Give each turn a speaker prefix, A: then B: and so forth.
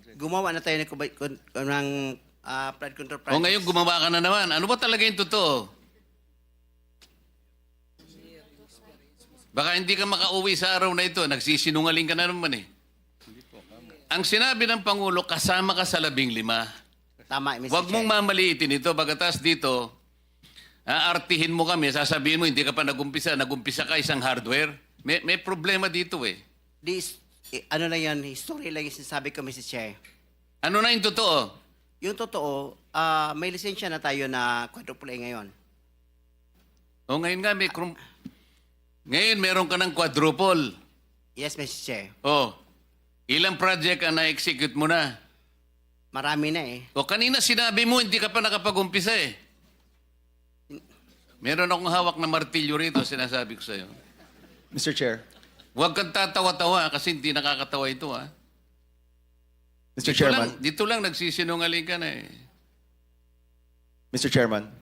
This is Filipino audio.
A: gumawa na tayo ng flood control project.
B: O ngayon gumawa ka na naman. Ano ba talaga yung totoo? Baka hindi ka makauwi sa araw na ito. Nagsisinungaling ka na naman eh. Ang sinabi ng Pangulo, kasama ka sa 15.
A: Tama, Mr.
B: Huwag
A: Chair.
B: mong mamaliitin ito. Bagatas dito, aartihin mo kami, sasabihin mo, hindi ka pa nagumpisa ka isang hardware. May problema dito eh.
A: Ano lang yan, history lang yung sinasabi ko, Mr. Chair.
B: Ano na yung totoo?
A: Yung totoo, may lisensya na tayo na quadruple A ngayon.
B: O ngayon nga, ngayon meron ka ng quadruple.
A: Yes, Mr. Chair.
B: O, ilang project ang na-execute mo na?
A: Marami na eh.
B: O kanina sinabi mo, hindi ka pa nakapag-umpisa eh. Meron akong hawak na martilyo rito, sinasabi ko sa'yo.
C: Mr. Chair.
B: Huwag kang tatawa-tawa kasi hindi nakakatawa ito ha.
C: Mr. Chairman.
B: Dito lang nagsisinungaling ka na eh.
C: Mr. Chairman.